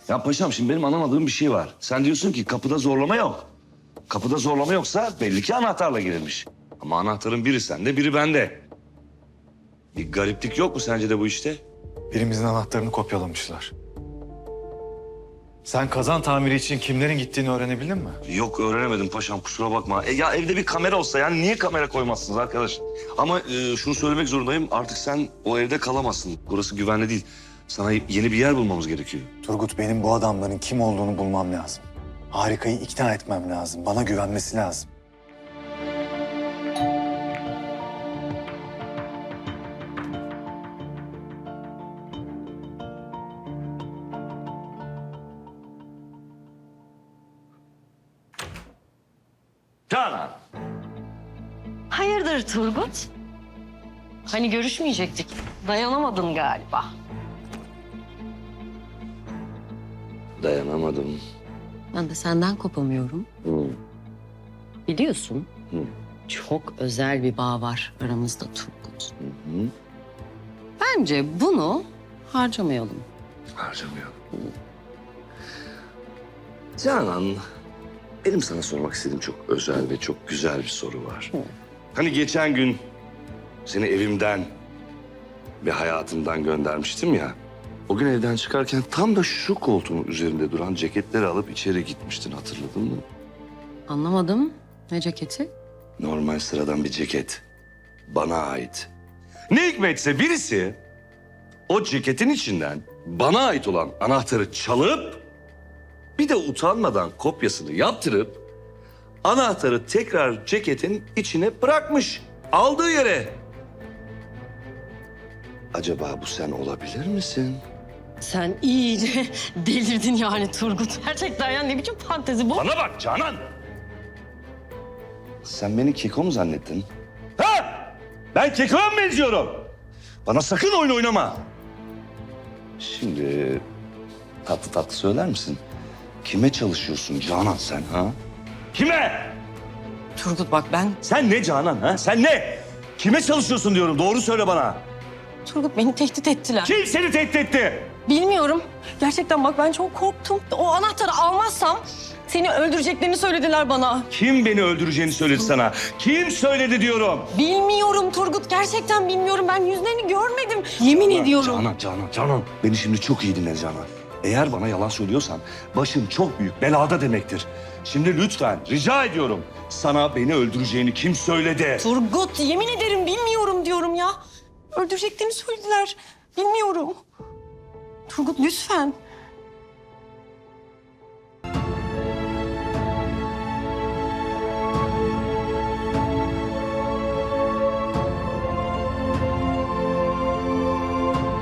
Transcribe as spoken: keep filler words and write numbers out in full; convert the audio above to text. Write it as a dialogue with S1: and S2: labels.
S1: Ya paşam şimdi benim anlamadığım bir şey var. Sen diyorsun ki kapıda zorlama yok. Kapıda zorlama yoksa belli ki anahtarla girilmiş. Ama anahtarın biri sende, biri bende. Bir gariplik yok mu sence de bu işte?
S2: Birimizin anahtarını kopyalamışlar. Sen kazan tamiri için kimlerin gittiğini öğrenebildin mi?
S1: Yok öğrenemedim paşam kusura bakma. E, ya evde bir kamera olsa yani niye kamera koymazsınız arkadaş? Ama e, şunu söylemek zorundayım artık sen o evde kalamazsın. Burası güvenli değil. Sana yeni bir yer bulmamız gerekiyor.
S2: Turgut, benim bu adamların kim olduğunu bulmam lazım. Harikayı ikna etmem lazım. Bana güvenmesi lazım.
S1: Canan.
S3: Hayırdır Turgut? Hani görüşmeyecektik. Dayanamadın galiba.
S1: Dayanamadım.
S3: Ben de senden kopamıyorum.
S1: Hı.
S3: Biliyorsun.
S1: Hı.
S3: Çok özel bir bağ var aramızda Turgut.
S1: Hı hı.
S3: Bence bunu harcamayalım.
S1: Harcamayalım. Canan, benim sana sormak istediğim çok özel ve çok güzel bir soru var.
S3: Hı.
S1: Hani geçen gün seni evimden ve hayatımdan göndermiştim ya. O gün evden çıkarken tam da şu koltuğun üzerinde duran ceketleri alıp içeri gitmiştin, hatırladın mı?
S3: Anlamadım. Ne ceketi?
S1: Normal sıradan bir ceket. Bana ait. Ne hikmetse birisi o ceketin içinden bana ait olan anahtarı çalıp bir de utanmadan kopyasını yaptırıp anahtarı tekrar ceketin içine bırakmış. Aldığı yere. Acaba bu sen olabilir misin?
S3: Sen iyice delirdin yani Turgut. Gerçekten ya ne biçim fantezi bu?
S1: Bana bak Canan. Sen beni keko mu zannettin? Ha? Ben kekoya mı benziyorum? Bana sakın oyun oynama. Şimdi tatlı tatlı söyler misin? Kime çalışıyorsun Canan sen ha? Kime?
S3: Turgut bak ben...
S1: Sen ne Canan ha? Sen ne? Kime çalışıyorsun diyorum. Doğru söyle bana.
S3: Turgut beni tehdit ettiler.
S1: Kim seni tehdit etti?
S3: Bilmiyorum. Gerçekten bak ben çok korktum. O anahtarı almazsam seni öldüreceklerini söylediler bana.
S1: Kim beni öldüreceğini söyledi sana? Kim söyledi diyorum?
S3: Bilmiyorum Turgut. Gerçekten bilmiyorum. Ben yüzlerini görmedim. Yemin ediyorum.
S1: Canan, Canan, Canan. Beni şimdi çok iyi dinle Canan. Eğer bana yalan söylüyorsan başın çok büyük belada demektir. Şimdi lütfen rica ediyorum. Sana beni öldüreceğini kim söyledi?
S3: Turgut yemin ederim bilmiyorum diyorum ya. Öldüreceklerini söylediler. Bilmiyorum. Turgut lütfen.